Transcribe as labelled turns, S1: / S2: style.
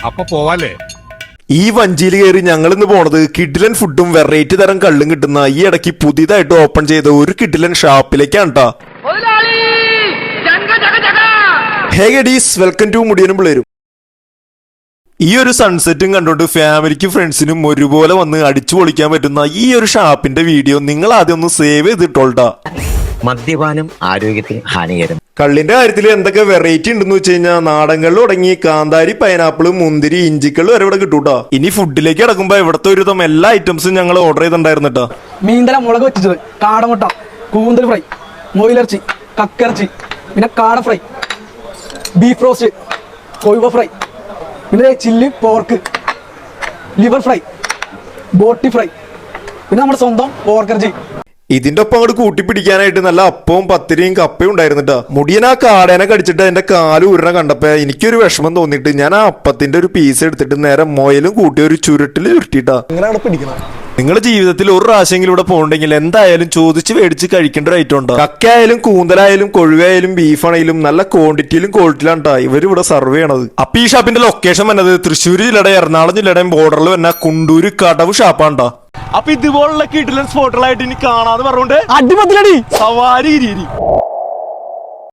S1: അപ്പൊ പോവാല്ലേ?
S2: ഈ വഞ്ചിയിൽ കയറി ഞങ്ങൾ ഇന്ന് പോണത് കിഡിലൻ ഫുഡും വെറൈറ്റി തരം കള്ളും കിട്ടുന്ന ഈ ഇടയ്ക്ക് പുതിയതായിട്ട് ഓപ്പൺ ചെയ്ത ഒരു കിഡിലൻ ഷാപ്പിലേക്കാണ് ട്ടാ. ഹേ ഗഡീസ്, വെൽക്കം ടു മുടിയനും പിള്ളേരും. ഈ ഒരു സൺസെറ്റും കണ്ടോണ്ട് ഫാമിലിക്കും ഫ്രണ്ട്സിനും ഒരുപോലെ വന്ന് അടിച്ചു പൊളിക്കാൻ പറ്റുന്ന ഈ ഒരു ഷാപ്പിന്റെ വീഡിയോ നിങ്ങൾ ആദ്യം ഒന്ന് സേവ് ചെയ്തിട്ടോൾട്ടാ.
S3: മദ്യപാനം ആരോഗ്യത്തിന് ഹാനികരം.
S2: കള്ളിന്റെ കാര്യത്തിൽ എന്തൊക്കെ വെറൈറ്റി ഉണ്ടെന്ന് വെച്ച് കഴിഞ്ഞാൽ നാടൻകള്ള് തുടങ്ങി കാന്താരി, പൈനാപ്പിള്, മുന്തിരി, ഇഞ്ചിക്കള്ള് വരെ ഇവിടെ കിട്ടൂട്ടാ. ഇനി ഫുഡിലേക്ക് കിടക്കുമ്പോ ഇവിടത്തെ ഒരുവിധം എല്ലാ ഐറ്റംസും ഞങ്ങൾ ഓർഡർ ചെയ്തിട്ടുണ്ടായിരുന്നിട്ടാ.
S4: മീൻതല മുളക് വെച്ചത്, കാടമുട്ട, കൂന്തൽ ഫ്രൈ, മൊയിലിറച്ചി, കക്കിറച്ചി, പിന്നെ കാട ഫ്രൈ, ബീഫ് റോസ്റ്റ്, കൊഴുവ ഫ്രൈ, പിന്നെ ചില്ലി പോർക്ക്, ലിവർ ഫ്രൈ, ബോട്ടി ഫ്രൈ, പിന്നെ നമ്മുടെ സ്വന്തം പോർക്കിറച്ചി.
S2: ഇതിന്റെ ഒപ്പം അങ്ങോട്ട് കൂട്ടിപ്പിടിക്കാനായിട്ട് നല്ല അപ്പവും പത്തിരിയും കപ്പയും ഉണ്ടായിരുന്നിട്ടാ. മുടിയൻ ആ കാടേനെ കടിച്ചിട്ട് എന്റെ കാല് ഉരുണ കണ്ടപ്പോ എനിക്കൊരു വിഷമം തോന്നിയിട്ട് ഞാൻ ആ അപ്പത്തിന്റെ ഒരു പീസ് എടുത്തിട്ട് നേരെ മൊയിലും കൂട്ടി ഒരു ചുരുട്ടിൽ ചുരുട്ടിട്ടാ.
S4: അങ്ങനെയാണ് പിടിക്കുന്നത്.
S2: നിങ്ങളുടെ ജീവിതത്തിൽ ഒരു പ്രാവശ്യമെങ്കിലും ഇവിടെ പോകണ്ടെങ്കിൽ എന്തായാലും ചോദിച്ച് മേടിച്ച് കഴിക്കേണ്ട ഒരു ഐറ്റം ഉണ്ടോ. കക്കയായാലും കൂന്തലായാലും കൊഴുവയായാലും ബീഫാണെങ്കിലും നല്ല ക്വാണ്ടിറ്റിയിലും ക്വാളിറ്റിയിലാണ് ട്ടാ ഇവർ ഇവിടെ സർവ് ചെയ്യണത്. അപ്പൊ ഈ ഷാപ്പിന്റെ ലൊക്കേഷൻ വന്നത് തൃശ്ശൂർ ജില്ലയുടെ എറണാകുളം ജില്ലയുടെയും ബോർഡറിൽ വന്ന കുണ്ടൂര് കടവ് ഷാപ്പാണ്ടാ. അപ്പൊ ഇതുപോലുള്ള കിടിലൻ സ്പോട്ടുകളായിട്ട് ഇനി കാണാതെ പറഞ്ഞോണ്ട്
S4: അടിപൊളി
S2: സവാരി